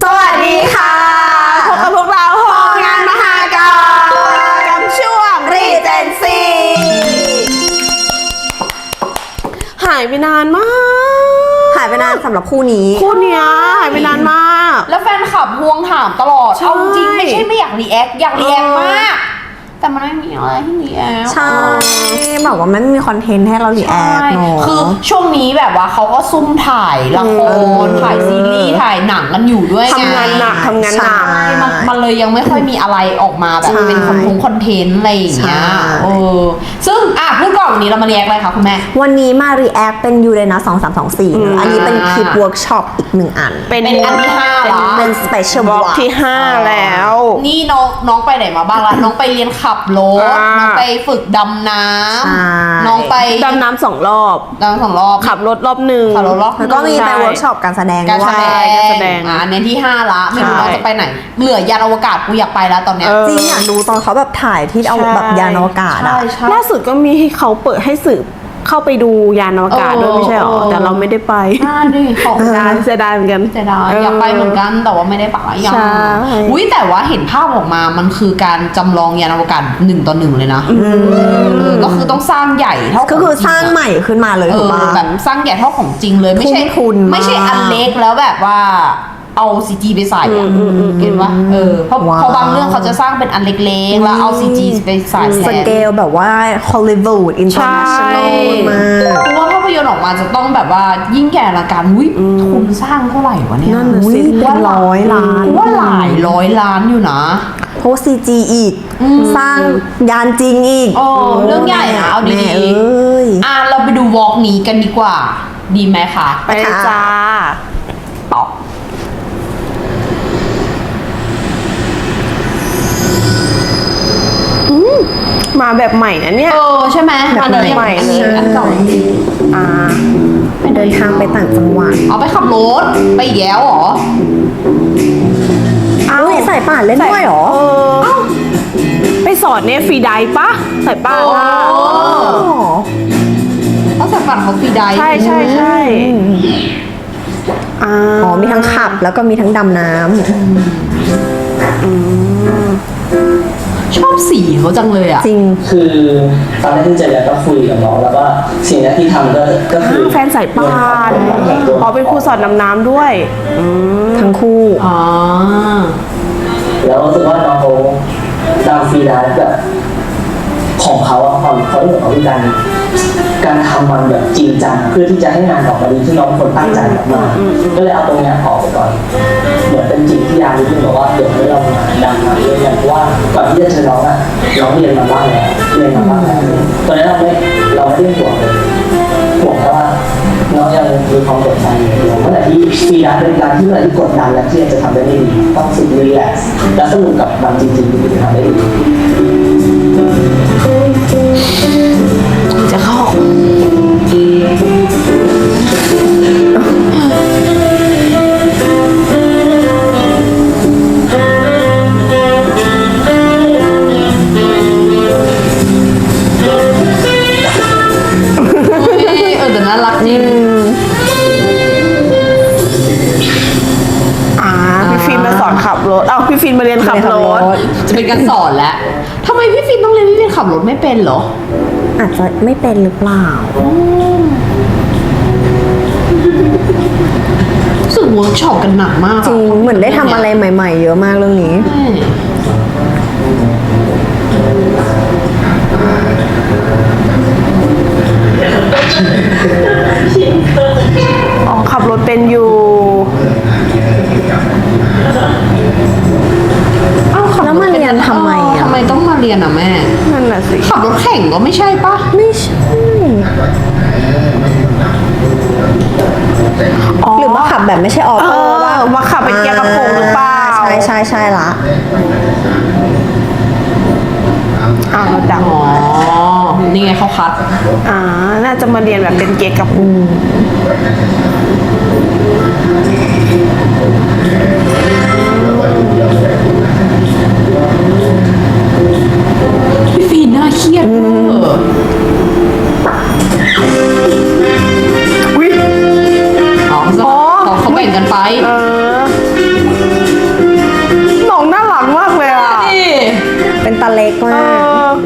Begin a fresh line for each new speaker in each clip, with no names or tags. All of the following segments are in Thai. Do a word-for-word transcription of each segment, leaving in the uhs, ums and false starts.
สวัสดีค่ะพบกับพวกเราโฮงานมหากาพย์กับช่วง Regency หายไปนานมาก
หายไปนานสำหรับคู่นี้
คู่เนี้ยหายไปนานมาก
แล้วแฟนคลับพวงถามตลอดเอาจริงไม่ใช่ไม่อยากรีแอคอยากรีแอคมากแต่มันไม่มีอะไรที่รีแอค
ใช่แบบว่ามันไม่มีคอนเทนต์ให้เรารีแอคเนาะ
คือช่วงนี้แบบว่าเขาก็ซุ่มถ่ายละครถ่ายซีรีส์ถ่ายหนังกันอยู่ด้วยไง
ทำงานหนักทำงานหนัก
มันมันเลยยังไม่ค่อยมีอะไรออกมาแบบเป็นคอนเทนต์คอนเทนต์อะไรอย่างเงี้ยเออซึ่งอ่ะพูดก่อนวันนี้เรามารีแอคอะไรคะคุณแม่
วันนี้มารีแอคเป็นยูเรนัสสองสามสองสี่อันนี้เป็นคลิปเวิร์กช็อปอีกหนึ่งอัน
เป็นอันที่ห้าแล้ว
เป็นสเปเชียลบล็อก
ที่ห้าแล้ว
นี่น้องน้องไปไหนมาบ้างล่ะน้องไปเรียนขับรถน้องไปฝึกดำน้ำน้องไป
ดำน้ำสองรอบ
ดำน้ำสองรอบ
ขับรถรอบหนึ่ง
ขับรถรอบ
แล้วก็มีไปเวิร์กช็อปการแสดง
การแสดง
การแสดง
อ่ะอันนี้ที่ห้าละไม่รู้เราจะไปไหนเหลือยานอวกาศกูอยากไปแล้วตอนเนี้ย
จริงอยากดูตอนเขาแบบถ่ายที่เอาแบบยานอวกาศอะ
ล่าสุดก็มีให้เขาเปิดให้สื่อเข้าไปดูยานอวกาศด้วยไม่ใช่หรอแต่เราไม่ได้ไป
อ่าดิของ
ดานเสียดายเหมือนกัน
เสียดายอยากไปเหมือนกันแต่ว่าไม่ได้ไปยังอุ้ยแต่ว่าเห็นภาพออกมามันคือการจำลองยานอวกาศหนึ่งต่อหนึ่งเลยนะก็คือต้องสร้างใหญ่เท่า
ก็คือสร้างใหม่ขึ้นมาเลยถูกป่ะ
แบบสร้างใหญ่เท่าของจริงเลยไม่ใช่ไม่ใช่อันเล็กแล้วแบบว่าเอาซีจีไปใส่อะเห็นปะเออเพราะเพราะบางเรื่องเขาจะสร้างเป็นอันเล็กๆแล้วเอาซีจีไปใส่
สเกลแบบว่าฮอลลีวูดอินเตอร์เนชั่นแนลมาก
เพราะว่าภาพยนตร์ออกมาจะต้องแบบว่ายิ่งใหญ่อลังการอุ้ยทุนสร้างเท่าไหร่วะเนี่ย
นั่นสิ
เป็นร้อยล้าน
ว่าหลายร้อยล้านอยู่นะ
โพสซีจีอีกสร้างยานจริงอีก
โอ้เรื่องใหญ่นะเอาดีๆอ่ะเราไปดูวอล์กนี้กันดีกว่าดีไหมคะ
ไปจ้า
ต่อ
มาแบบใหม่นะเนี่ย
เออใช่ไหม
แบบ
ใหม่เลย
อันเก่า
อ่าเดินทางไปต่างจังหวัด
เอาไปขับรถไปแย้วหรอ
อ้าวใส่ป่านเล่นด้วยหรอ
เออไปสอนเนี่ยฟรีไดปะใส่ป่าน
ต้องใส่ป่านเขาฟรีได
ใช่ใช่ใช่
อ๋อมีทั้งขับแล้วก็มีทั้งดำน้ำ
ชอบสีเขาจังเลยอ่ะ
จริง
คือตอนแรกที่เจอกันก็คุยกับน้องแล้วว่าสิ่งแรกที่ทำก็ก็คือ
แฟนสายป่านพอเป็นครูสอนดำน้ำด้วย
ทั้งคู่
อ๋อ
แล้วรู้สึกว่าน้องเขาดาวฟรีไลฟ์แบบของเขาอะความเขาเรื่องของการการทำมันแบบจริงจังเพื่อที่จะให้งานออกมาดีที่น้องคนตั้งใจมากๆก็เลยเอาตรงนี้ออกไปก่อนเหมือนเป็นจิตที่ยานิดนึงบอกว่าเดี๋ยวให้เรามาดังมาเรื่อยๆเพราะว่าก่อนที่จะเจอน้องอะน้องเรียนมาบ้างแล้วเรียนมาบ้างแล้วตอนนั้นเราไม่เราไม่ได้ห่วงเลยห่วงแค่ว่าน้องยังมีความกดดันอยู่เมื่อไหร่ที่ฟรีไลฟ์เป็นการที่เมื่อไหร่ที่กดดันแล้วที่จะทำได้ดีต้องสึกรีแลกซ์และสนุกกับมันจริงๆที่จะทำได้ดี
จะเข้า
น่ารักจริง
อ่าพี่ฟิล์มมาสอนขับรถเอ้าพี่ฟิล์มมาเรียนขับรถ
จะเป็นการสอนแล้วทำไมพี่ฟิล์มต้องเรียนพี่ฟิล์มขับรถไม่เป็นเหรอ
อาจจะไม่เป็นหรือเปล่า
รู้สึกเวิร์กช็อปกันหนักมาก
จริงเหมือนได้ทำอะไรใหม่ๆเยอะมากเรื่องนี้
อ๋อขับรถเป็นอยู่
อ้าว
แล้วมาเรียนทำไมอ่ะ
ทำไมต้องมาเรียนอ่ะแม่
นั่นแหละสิ
ขับรถแข่งก็ไม่ใช่ปะ
ไม่ใช่หรือว่าขับแบบไม่ใช่ออโต้
ว่าขับเป็นเกียร์กระโปรงหรือเปล่า
ใช่ใช่ใช่ละ
อ้าวจัง
อ๋อนี่ไงเขาคัด
อ่าน่าจะมาเรียนแบบเป็นเกียร์กระโปรง
พี่ฟีนน่าเครียด
อุ้ย
อ๋อเขาแบ่งกันไป
เออ
เล็กมาก
เออ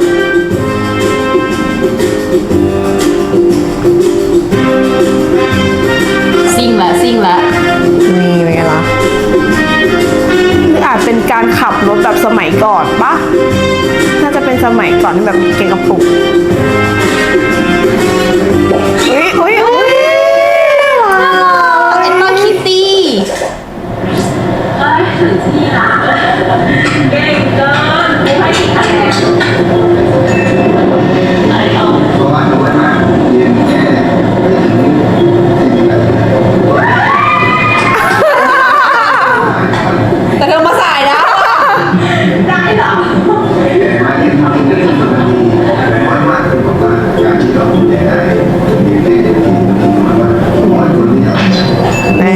ซิ่งละซิ่งละ
นี่เป็นไงล่ะ
นี่อาจเป็นการขับรถแบบสมัยก่อนปะน่าจะเป็นสมัยก่อนที่แบบมีเกงกระปุกอุ้ยอุ้ยอุ้ย
เอ็นมาคิตตี้
เพราะว่าน้อยมากเรียนแค่ไม่ถึงสี่นาที
แต่เธอมาสายนะ
มาเรียนมาเรียนมาถึงนาทีน้อยมากคือบอกว่าการที่เราเรียนได้เรียนได้ดีมันน้อยมากน้อยคนที่จะ
นี่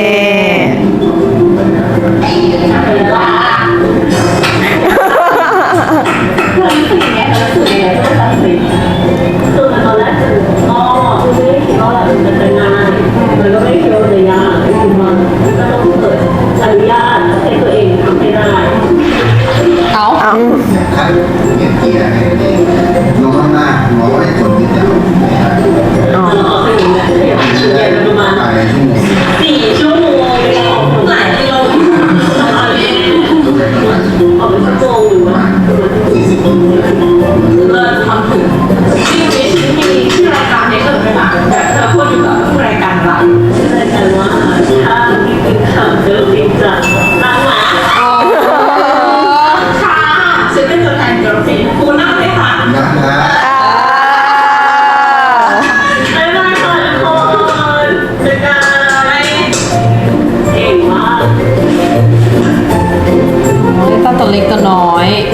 เอา
เอา
คัดเรียนเกียร์ให้ดีลงข้างหน้าน้อยคนที่จะไม่ได้
อ๋อ
ภายในชั่วโมง
สี่ชั่วโมงหลายกิโล
ต้องใช้ประมาณ
ออกเป็นชั่วโมงอยู่
ประมาณสี่สิบกิโล
เลิศทำถึงที่มีที่มีที่รายการนี้ก็เป็นแบบแบบเธอพูดอยู่กับผู้รายการอะไรรายการว่าถ้ามีเป็นข่าวเจอฟินจะนั่งหลังค่ะฉันเป็นตัวแทนเกิร์ลฟินคุณนั่งไหมคะ
นะฮะ
บ๊ายบายค่ะทุกคนเจอกันเก่งมาก
เล่นตั้งตัวเล็กตัวน้อย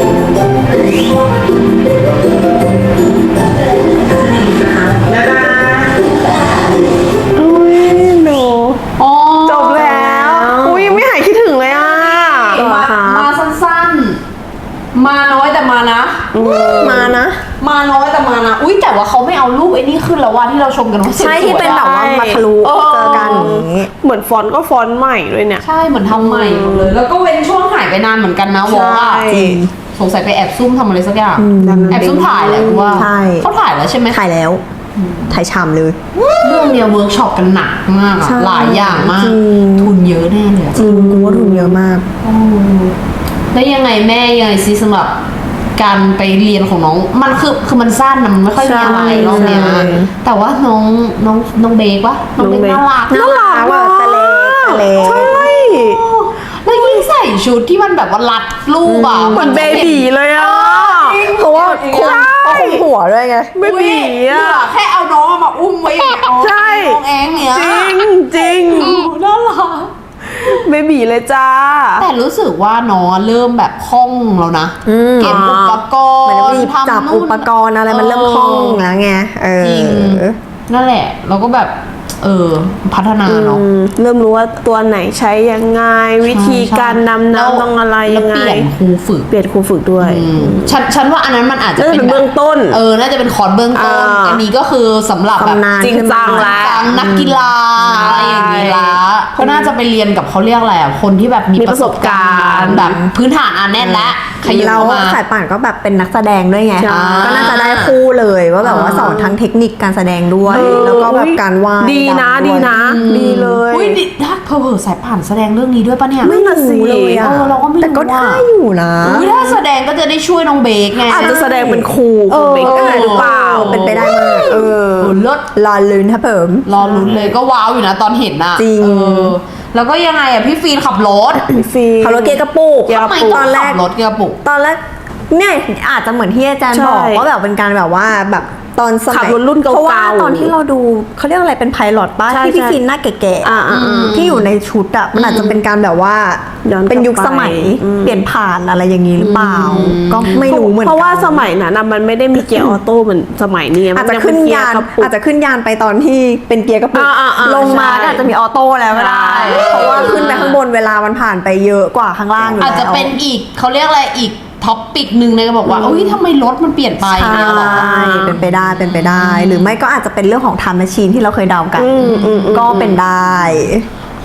อุ้ยหนู
อ๋อ
จบแล้ว อุ้ยไม่หายคิดถึงเลยอ่ะ
มามาสั้นๆ มาน้อยแต่มานะ
มานะ
มาน้อยแต่มานะ อุ้ยแต่ว่าเขาไม่เอารูปไอ้นี่ขึ้นแล้วว่าที่เราชมกันว่าสวยๆ
ใช่ที่เป็นแบบว่ามาทะลุ
เออ
เจอกันอย่างนี้
เหมือนฟอนต์ก็ฟอนต์ใหม่ด้วยเนี่ย
ใช่เหมือนทำใหม่หมดเลย แล้วก็เว้นช่วงหายไปนานเหมือนกันนะวอว่า
ใช่
สงสัยไปแอบซุ่มทำอะไรสักอย่าง
อืม
แอบซุ่มถ่ายแหละกูว่า
ใช่
เขาถ่ายแล้วใช่ไหม
ถ่ายแล้ว ถ่ายฉ่ำเลย
เรื่องเนี้ยเวิร์กช็อปกันหนักมากอะ
ใช่
หลายอย่างมาก
จริง
ทุนเยอะแน่เลยอะ
จริงกูว่าทุนเยอะมาก
แล้วยังไงแม่ยังไงซิสำหรับการไปเรียนของน้อง มันคือคือมันสั้นนะมันไม่ค่อยมีอะไร
ใช่
รอบเนี้ย
ใช่
แต่ว่าน้องน้องน้องเบกวะน้องเบก
น้องเบค
น่ารัก
น่ารักว่ะตะเล็กตะเล็ก
ใช่
แล้วยิ่งใส่ชุดที่มันแบบว่ารัดรูปอะ
เหมือนเบบีเลยอ่ะ
เพราะว่าคุมเขาคุมหัวด้วยไง
เบบี
อ่ะ
อ่ะ
แค่เอาน้องมาอุ้มไว้อย่างเงี้ยเอา
ใช่
น้องแองเนี่ย
จริงจริง
น่ารัก
เบบีเลยจ้า
แต่รู้สึกว่าน้องเริ่มแบบคล่องแล้วนะ
อืม
เก็บอุปก
เหมือน
ร
รี
ณ์
บจับ
ทำนู่น
อุปกรณ์อะไรมันเริ่มคล่องแล้วไงเออ
จริง นั่นแหละ เราก็แบบ เออ พัฒนาเนาะ
อืมเริ่มรู้ว่าตัวไหนใช้ยังไง วิธีการนำ
แล้ว
น้ำต้องอะไร
แล้
ยั
ว
งไง
เปลี่ยนครูฝึก
เปลี่ยนครูฝึกด้วย
อืมฉันฉันว่าอันนั้นมันอาจจะ
น่าจะเป็นเบื้องต้น
เออ น่าจะเป็นคอร์สเบื้องต้น
อ่า
อันนี้ก็คือสำหรับแบบ
ชำนาญ
จริงจัง
ขึ้นมา
แล้ว
จังนักกีฬาอะไรอย่างนี้ละก็น่าจะไปเรียนกับเขาเรียกอะไรอ่ะ คนที่แบบมี
มี
ป
ประ ระ
ส
ส
บบ กา
การ รณ์
ณ์แบบพื้นฐานอันแน่นและขยับ
เรา
มา
สายป่านก็แบบเป็นนักแสดงด้วยไง
ใช่
ก็น่าจะได้คู่เลยว่าแบบว่าสอนทั้งเทคนิคการแสดงด้วย
เออ
แล้วก็แบบการวาด
ดีนะ
รำ
ดี
วย
นะ ดีเลย
อุ้ยดิถ้าเพอเพอสายผ่านแสดงเรื่องนี้ด้วยปะเนี่ย
ไม่รู้เลยอะ
เออเราก็ไม่รู้
แต่ก็
ว่า
ได้อยู่นะ
อุ้ยถ้าแสดงก็จะได้ช่วยน้องเบคไง
อาจจะแสดงเป็นครูคุณเบกก็ได้หรือเปล่า
เป็นไปได้มากเออ
เออเลิศ
รอลุ้นครับผม
รอลุ้นเลยก็ว้าวอยู่นะตอนเห็นน่ะ
จริง
เออแล้วก็ยังไงอ่ะพี่ฟีนขับรถ
พี่ฟี
ขับรถเกียร์กระปุก
เกียร์ก
ทำ
ระ
ไม
ปุก
ต้
ต
อ
อง นแร
ขั
ก
บรถเกียร์ปุก
ตอนแรกเนี่ยอาจจะเหมือนที่อาจารย์
ใช่
บอกว่าแบบเป็นการแบบว่าแบบตอนสมัย
ขับรถรุ่นเก่าๆ
เพราะว่าตอนที่เราดูเขาเรียกอะไรเป็นไพลอตป้า
ใช่
ที่พี่
ใช่
ฟินหน้าแก่
อ่าอ่าอ่า
ๆที่อยู่ในชุดอ่ะมันอาจจะเป็นการแบบว่า
ย้อนกลับ
เป็นยุคสมัย
ไปอืม
เปลี่ยนผ่านอะไรอย่างนี้หรือเปล่า ก็ไม่รู้เหมือนกัน
เพราะว่าสมัยนั้นน่ะมันไม่ได้มีเกียร์ออโต้เหมือนสมัยนี้
อาจจะ
มั
ขึ้น
เป็เกี
ยาย น
ร์กระปุก
อาจจะขึ้นยานไปตอนที่เป็นเกียร์กระปุก
อ่าอ่าอ่า
ลงมา
ใช่
ก็อาจจะมีออโต้แล้วก็ได้
ใช่
เพราะว่าขึ้นไปข้างบนเวลามันผ่านไปเยอะกว่าข้างล่างอยู่แล้ว
อาจจะเป็นอีกเขาเรียกอะไรอีกท็อปปิกหนึ่งเลยก็บอกว่าอุ้ยทำไมรถมันเปลี่ยนไป
ใช่
เนี่ยหรอ
เป็นไปได้เป็นไปได้ หรือไม่ก็อาจจะเป็นเรื่องของ time machine ที่เราเคยเดากัน
อืมอืมอืม
ก็เป็นได้
โห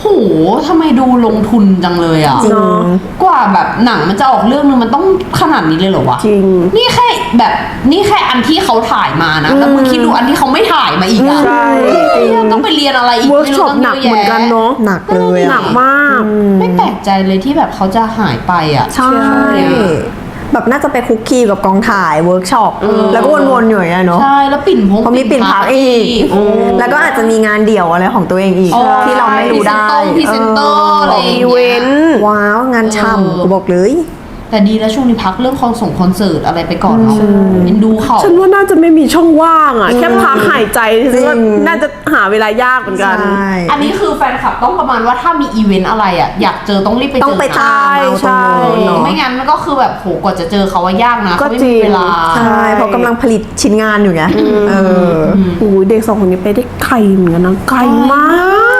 ทำไมดูลงทุนจังเลยอ่ะ
จริง
กว่าแบบหนังมันจะออกเรื่องนึงมันต้องขนาดนี้เลยเหรอวะ
จริง
นี่แค่แบบนี่แค่อันที่เขาถ่ายมานะแล้วมึงคิดดูอันที่เขาไม่ถ่ายมาอีกอ่ะ
ใช่
ต้องไปเรียนอะไรอีก
เวิร์ก
ไม่
ช็
รู้
อป
ตั้ง
หนัก
เยอะ
เหมือนกัน
แยะ
เนาะ
หนักเลยอะ
หนักมาก
ไม่แปลกใจเลยที่แบบเขาจะหายไปอ่ะ
ใช่ แบบน่าจะไปคุกคีกับกองถ่ายเวิร์กช็อปแล้วก็วนๆอยู่อย่างเงี้ยเนาะ
ใช่แล้วปิ่นพง
เพราะมีปิ่นพักอีก แล้วก็อาจจะมีงานเดี่ยวอะไรของตัวเองอีก
อ๋อ
ที่เราไม่รู้ได้
พรีเซนเตอร์อะไรอย่าง
อี
เงี้
เวย นต์
ว้าวงาน
เออ
ช่ำกูบอกเลย
แต่ดีแล้วช่วงนี้พักเรื่องคอนส่งคอนเสิร์ตอะไรไปก่อนเนาะเอ็นดูเขา
ฉันว่าน่าจะไม่มีช่องว่างอ่ะ แค่พักหายใจ
จริง
ฉันว่าน่าจะหาเวลายากเหมือนกัน
ใช่
อันนี้คือแฟนคลับต้องประมาณว่าถ้ามีอีเวนต์อะไรอ่ะอยากเจอต้องรีบไปเจอ
ต้องไป
นะ
ตามเอา
ใช่
ตรงนู้น
เออ
เนาะ
ไม่งั้นมันก็คือแบบโหกว่าจะเจอเขาว่ายากนะ
ก็
เขาไม่
จริ
มี
ง
เวลา
ใช่เพราะกำลังผลิตชิ้นงานอยู่ไงเออ
โอ้ยเด็กสองคนนี้ไปได้ไกลเหมือนกันนะไกลมาก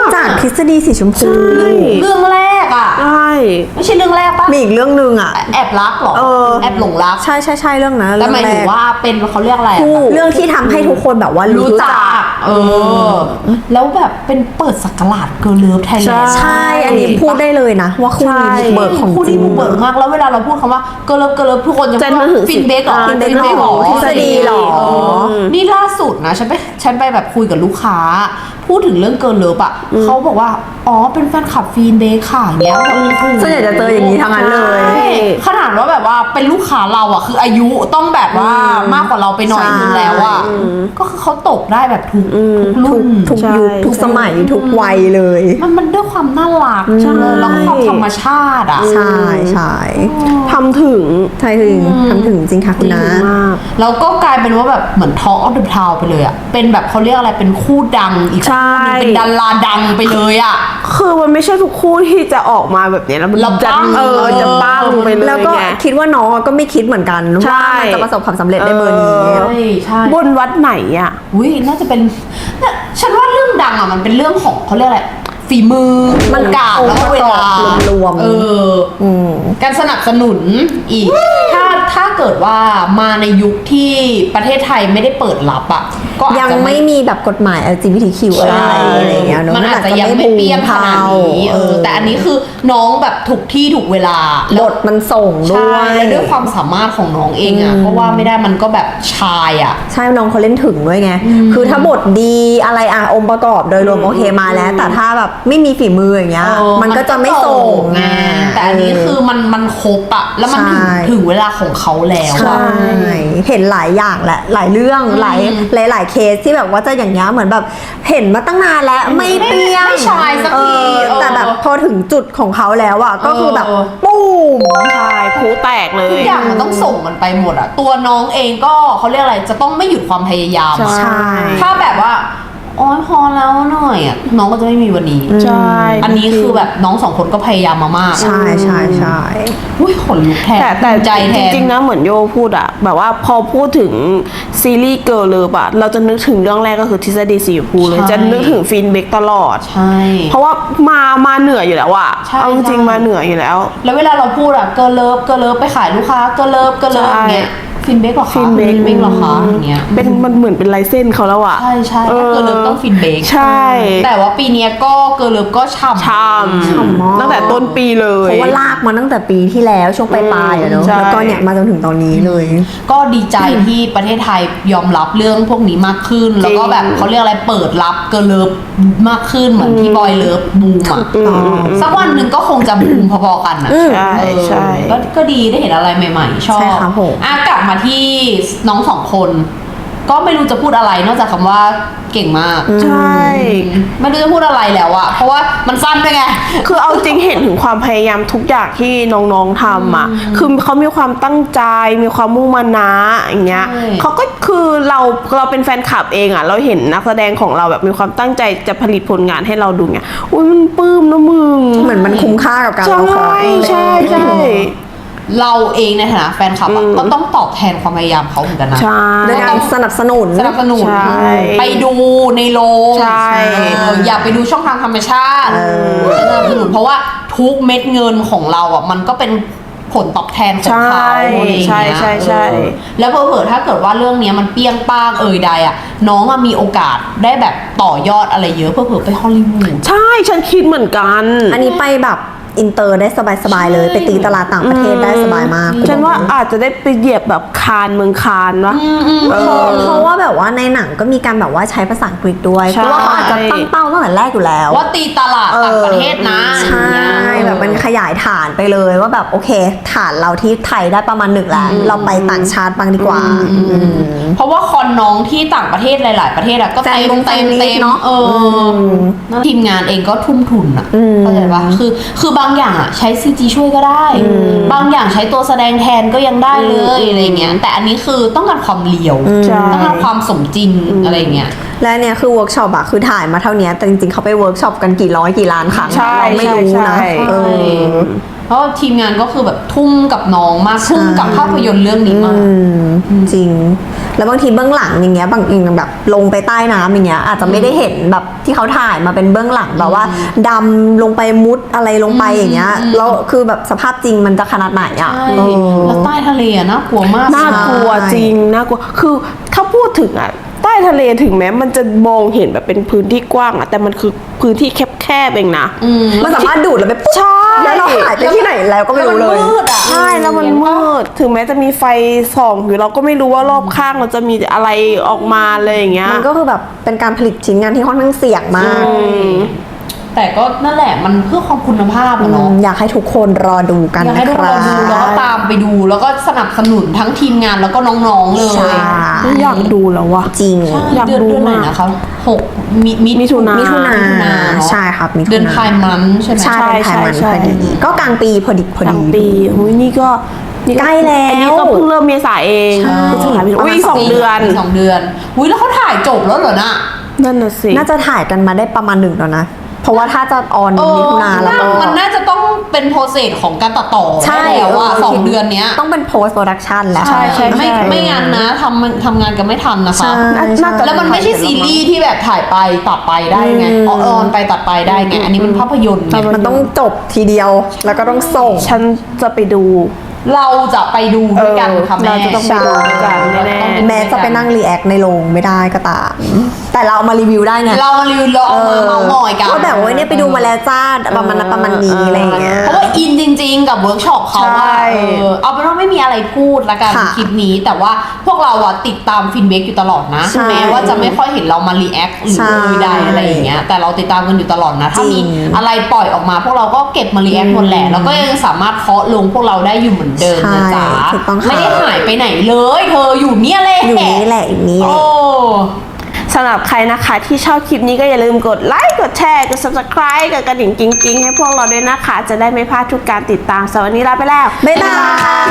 จากทฤษฎีสีชมพู
ใช่
เรื่องแรกอ่ะ
ใช่
ไม่ใช่เรื่องแรกปะ
มีอีกเรื่องหนึ่งอ่ะ
แอบรักเหรอ
เออ
แอบหลงรัก
ใช่ใช่ใช่เรื่องนั้น
แล้ว
เรื่อง
หมาย
แร
ถึง
ก
ว่าเป็นเขาเรียกอะไรอะ
คู่เรื่องที่ทำให้ทุกคนแบบว่ารู้
รู้
จั
จั
ก
กเออ แล้วแบบเป็นเปิดสักราชเกิร์ลเลิฟไทยแลนด์
ใช่ อันนี้พูดได้เลยนะ ว่าคู่นี้บุกเบิกของ
คู่
จริ
นี้
ง
บุกเบิกมากแล้วเวลาเราพูดคำว่าเกิร์ลเลิฟเกิร์ลเลิฟทุกคนจะ
จะนึกถึง
ฟินเบกเหรอ
อ่า
ฟินเบก
จะนึกถึง
เหรอ
ทฤษฎีเหรอ
เออนี่ล่าสุดนะฉันไปฉันไปแบบคุยกับลูกค้า พูดถึงเรื่องเกิร์ลเลิฟอ่ะเขาบอกว่าอ๋อเป็นแฟนคลับฟินเบกค่ะอย่างเงี้ยแบบโอ้โห
ส่วนใหญ่จะเจออย่างนี้ทั้งนั้นเลย
ใช่ขนาดว่าแบบว่าเป็นลูกค้าเราอ่ะคืออายุต้องแบบว่ามากกว่าเราไปหน่อยนึงแล้วอ่ะก็คือเขาตกได้แบบทุกทุกรุ่น
ทุกยุคทุกสมัยทุกวัยเลย
มันมันด้วยความน่ารัก
ใช่
แล้วก็ความธรรมชาติอ่ะ
ใช่ใช่
ทำถึง
ใช่ถึงทำถึงจริงค่ะคุณนะ
มาก
แล้วก็กลายเป็นว่าแบบเหมือนทอ l k อ f เดอะทาวไปเลยอ่ะเป็นแบบเขาเรียกอะไรเป็นคู่ดังอีก
ใช่
คู่หนึ่งเป็นดาราดังไปเลยอ่ะ
คือมันไม่ใช่ทุกคู่ที่จะออกมาแบบเนี้ยแล้วมัน
แล้ว
จะ
ปัง
เออจะปังไปเลย
แล้วก็
ไง
คิดว่าน้องก็ไม่คิดเหมือนกัน
ใช่
ว่ามันจะประสบความสำเร็จได้เบอร์นี้
เออ
ใช่ใช่
บนวัดไหนอ่ะ
อุ้ยน่าจะเป็นน่ะฉันว่าเรื่องดังอ่ะมันเป็นเรื่องของเขาเรียกอะไรฝีมือ
มัน
โอกาสแล้วก็เวลา
องค์ประกอบรวมๆ
เออ
อืม
การสนับสนุนอีก ถ้าถ้าเกิดว่ามาในยุคที่ประเทศไทยไม่ได้เปิดรับอ่ะก็อาจ
ยัง
จะ
ไม่มีแบบกฎหมาย แอล จี บี ที คิว อะไรอะไรอย่างเงี้ยเนอะ
มันอาจจะยังไม่เปรี้ยงขนาดนี้เออแต่อันนี้คือน้องแบบถูกที่ถูกเวลา
บ
แล้ว
ทมันส่งด้
ใช่
วย
แล้วด้วยความสามารถของน้องเองอ่ะเพราะว่าไม่ได้มันก็แบบชายอ่ะ
ใช่น้องเขาเล่นถึงด้วยไง คือถ้าบทดีอะไรอ่ะองค์ประกอบโดยรวมโอเคมาแล้ว แต่ถ้าแบบไม่มีฝีมืออย่างเงี้ย
เออ
มันก็จะไม่ส่ง
ไงแต่อันนี้คือมันมันครบอะแล้วมันถึง
ใช่
ถึงเวลาของเขาแล้ว
ใช่
อะ
เห็นหลายอย่างแหละ หลายเรื่องหลายหลายหลายเคสที่แบบว่าจะอย่างเงี้ยเหมือนแบบเห็นมาตั้งนานแล้วไม่เปรี้ยง
ไม่ชายสักที
เออ
เออ
แต่แบบพอถึงจุดของเขาแล้วอ่ะก็คือแบบ
เออ
ปุ้ม
ใช่ผูแตกเลย
ทุกอย่างมันต้องส่งมันไปหมดอะตัวน้องเองก็เขาเรียกอะไรจะต้องไม่หยุดความพยายามอะ
ใช่
ถ้าแบบว่าโอ๊ยพอแล้วหน่อยอะน้องก็จะไม่มีวันนี้
ใช่
อันนี้คือแบบน้องสองคนก็พยายามมามาก
ใช่ใช่ใช่
อุ้ยขนลุกแทน
แต่แต่
ใจแทน
จริงๆนะเหมือนโยพูดอะแบบว่าพอพูดถึงซีรีส์เกิร์ลเลิฟอะเราจะนึกถึงเรื่องแรกก็คือทฤษฎีสีชมพูเลย
ใช่
จะนึกถึงฟินเบกตลอด
ใช่
เพราะว่ามามาเหนืออยู่แล้วอะ
ใช่
เอาจริง
ใช่
ๆมาเหนืออยู่แล้ว
แล้วเวลาเราพูดอะเกิร์ลเลิฟเกิร์ลเลิฟไปขายลูกค้าเกิร์ลเลิฟเกิร์ลเลิฟ
ใช่
เงี้ยฟินเบกหรอคะ
ฟินเบก
เบกหรอคะอย่างเงี้ย
เป็นมันเหมือนเป็นลายเส้นเขาแล้วอะ
ใช่ใช่ถ้าเกิร์ลเลิฟต้องฟินเบก
ใช่
แต่ว่าปีเนี้ยก็เกิร์ลเลิฟก็ฉ่ำ
ชาม
ฉ่ำมาก
ตั้งแต่ต้นปีเลย
เพราะว่าลากมาตั้งแต่ปีที่แล้วช่วงปลายๆอะเนอะ
ใช่
แล้วก็เนี่ยมาจนถึงตอนนี้เลย
ก็ดีใจที่ประเทศไทยยอมรับเรื่องพวกนี้มากขึ้น แล้วก็แบบเขาเรียกอะไรเปิดรับเกิร์ลเลิฟมากขึ้นเหมือนที่บอยเลิฟบูมอะสักวันหนึ่งก็คงจะบูมพอๆกันอะ
ใช่
เออ
ใช่
ก็ก็ดีได้เห็นอะไรใหม่ๆ ชอบ
ใช่ครับผม
อ่ะกลับมาที่น้องสองคน ก็ไม่รู้จะพูดอะไรนอกจากคำว่าเก่งมาก
ใช่
ไม่รู้จะพูดอะไรแล้วอะเพราะว่ามันสั้นด้วยไง
คือเอาจริงเห็นถึงความพยายามทุกอย่างที่น้องๆทำอ่ะ คือเขามีความตั้งใจ มีความมุ่งมั่นนะอย่างเงี้ย
ใช่
เขาก็คือเราเราเป็นแฟนคลับเองอ่ะ เราเห็นนักแสดงของเราแบบมีความตั้งใจจะผลิตผลงานให้เราดูเงี้ย อุ้ยมันปลื้มนะมึง
เหมือนมันคุ้มค่ากับการ
ใช่
รอคอย
ใช่ใช่
เราเองในฐานะแฟนคลับอะก็ต้องตอบแทนความพยายามเขาเหมือนกันนะ
ใช่
ด้วยการสนับสนุน
สนับสนุน
ใช่
ไปดูในโรง
ใช่
เอออย่าไปดูช่องทางธรรมชาติ
เออ
สนับสนุนเพราะว่าทุกเม็ดเงินของเราอ่ะมันก็เป็นผลตอบแทนของเขา
ใช่
อะไรอย่างเงี้ย
ใช่ใช่ใช่
เออแล้วเผลอๆถ้าเกิดว่าเรื่องเนี้ยมันเปี้ยงป้างเอ่ยใดอ่ะน้องอะมีโอกาสได้แบบต่อยอดอะไรเยอะเผลอๆไปฮอลลีวูด
ใช่ฉันคิดเหมือนกัน
อันนี้ไปแบบอินเตอร์ได้สบายๆเลย ไปตีตลาดต่างประเทศได้สบายมาก
ฉันว่าอาจจะได้ไปเหยียบแบบคานเมืองคานวะเอ
เพราะ
อ
เพราะว่าแบบว่าในหนังก็มีการแบบว่าใช้ภาษาอังกฤษด้วย
ใช่
เพราะว่าเขาอาจจะตั้งเป้าตั้งแต่แรกอยู่แล้ว
ว่าตีตลาดต่างประเทศนะ
ใช่
อย่างเงี้ย
แบบมันขยายฐานไปเลยว่าแบบโอเค ฐานเราที่ไทยได้ประมาณหนึ่งแล้ว เราไปต่างชาติบ้างดีกว่าอืม
เพราะว่าคอนน้องที่ต่างประเทศหลาย ๆ ประเทศอะก็
แฟน
เต็ม
ลง
เต็ม
แฟนมิต
เต็ม
เนอะ
เอออทีมงานเองก็ทุ่มทุนอะเข้าใจปะคือคือบางอย่างอะใช้ซีจีช่วยก็ได้ บางอย่างใช้ตัวแสดงแทนก็ยังได้เลยอะไรเงี้ยแต่อันนี้คือต้องการความเลียว
ใช่
ต้องการความสมจริงอะไรเงี้ย
และเนี่ยคือเวิร์กช็อปอะคือถ่ายมาเท่านี้แต่จริงๆเขาไปเวิร์กช็อปกันกี่ร้อยกี่ล้านครั้ง
ใช่
เราไม่รู้
ใช่
นะ
ใช่
เออ
เพราะว่าทีมงานก็คือแบบทุ่มกับน้องมากทุ่มกับภาพยนตร์เรื่องนี้มาก
อืมจริง แล้วบางทีเบื้องหลังอย่างเงี้ยบางอย่างแบบลงไปใต้น้ำอย่างเงี้ยอาจจะไม่ได้เห็นแบบที่เขาถ่ายมาเป็นเบื้องหลังแบบว่าดำลงไปมุดอะไรลงไปอย่างเงี้ยแล้วคือแบบสภาพจริงมันจะขนาดไหนอ่ะ
ใช่
เออ
แล้วใต้ทะเลอะน่ากลัวมาก
น่ากลัว
ใช่
จริงน่ากลัวคือถ้าพูดถึงอ่ะใต้ทะเลถึงแม้มันจะมองเห็นแบบเป็นพื้นที่กว้างอ่ะแต่มันคือพื้นที่แคบๆเองนะ
อืม
มันสามารถดูดแล้วไปปุ๊บ
ใช่
แล้วเราหายไปที่ไหนแล้วก็ไม่รู้เลย
แล้วมันมืดอะ
ใช่แล้วมันมืดถึงแม้จะมีไฟส่องอยู่เราก็ไม่รู้ว่ารอบข้างเราจะมีอะไรออกมาเลยอย่างเงี้ย
มันก็คือแบบเป็นการผลิตชิ้นงานที่ค่อนข้างเสี่ยงมาก
แต่ก็นั่นแหละมันเพื่อความคุณภาพอะเนาะ
อยากให้ทุกคนรอดูกัน
อยากให้
นะ
ทุก
ค
คน
รับ
ดูแล้วก็ตามไปดูแล้วก็สนับสนุนทั้งทีมงานแล้วก็น้องๆเลย
ใช่
อยากดูแล้วว่ะ
จริง
ใช่
อยาก
เดือน
ดู
เดือนไหน
มาก
นะคะหกมิมิ
มิถุนา
มิถุนา
มิถุนาเนอะ
ใช่ครับมิถุนา
เดือนไพร์มันใช่ไหม
ใช่เป็นไทยมัน
ใช่
พอดี
ใช่
ก็กลางปีพอดีพอก
ลา
ดี
งปีอุ้ยนี่ก็นี่
ใกล้แล้ว
อันนี้ก็เพิ่งเริ่มเมษาเอง
ใช่
พฤษภาคมอุ้ยอีกสองเดือน
กสองเดือนอุ้ยแล้วเขาถ่ายจบแล้วเหรอน่ะ
นั่นน่ะสิ
น่าจะถ่ายกันมาได้ประมาณหนึ่งแล้วนะ เพราะว่าถ้าจะออน
เออ
มิถุนาแล้วก็
มันน่าจะต้องเป็นโปรเซสของการตัดต่อ
ใช่
ได้แล้วว่าสองเดือนเนี้ย
ต้องเป็น post production แล้ว
ใช่ใช่
ไม่ไม่งั้นนะทำทำงานกันไม่ทันนะคะ
ใช่
น่าจะ
แล้วมันไม่ใช่ซีรีส์ที่แบบถ่ายไปตัดไปได้ไง
อืม
ออนไปตัดไปได้ไง อันนี้มันภาพยนตร์ไง
มันต้องจบทีเดียวแล้วก็ต้องส่ง
ฉันจะไปดู
เราจะไปดูด้วยกันค่ะแม่
เราจะต้องไปดูด้วยกันแน่
แม้จะไปนั่งรีแอคในโรงไม่ได้ก็ตาม แต่เราเอามารีวิวได้ไง
เรามารีวิวลองมาเมาส์มอยกัน
ก็แบบว่าเนี่ยไปดูมาแล้วจ้าประมาณนั้นประมาณนี้อะไรอย่างเงี้ย
เพราะว่าอินจริง ๆ กับเวิร์กช็อปเขาว่า
ใช่
เออเอาเป็นว่าไม่มีอะไรพูดละกัน
ค่ะ
คลิปนี้ แต่ว่าพวกเราอะติดตามฟินเบกอยู่ตลอดนะ
ใช่
แม้ว่าจะไม่ค่อยเห็นเรามารีแอคหรือ
ใช่
ใดอะไรอย่างเงี้ยแต่เราติดตามกันอยู่ตลอดนะถ้า
จริ
มี
ง
อะไรปล่อยออกมา พวกเราก็เก็บมารีแอคหมดแหละแล้วก็ยังสามารถเคาะลงพวกเราได้อยู่เหมือนเดิมนะจ๊ะ
ใช่ถูกต้องค่ะ
ไม่ได้หายไปไหนเลย เธออยู่เนี่ยแหละ
อยู่นี่แหละอยู่นี่แห
โอ้
ละ
สำหรับใครนะคะที่ชอบคลิปนี้ก็อย่าลืมกดไลค์กดแชร์กด subscribe กดกระดิ่งกิ๊งๆให้พวกเราด้วยนะคะ จะได้ไม่พลาดทุกการติดตามสำหรับวันนี้ลาไปแล้ว
บ๊ายบาย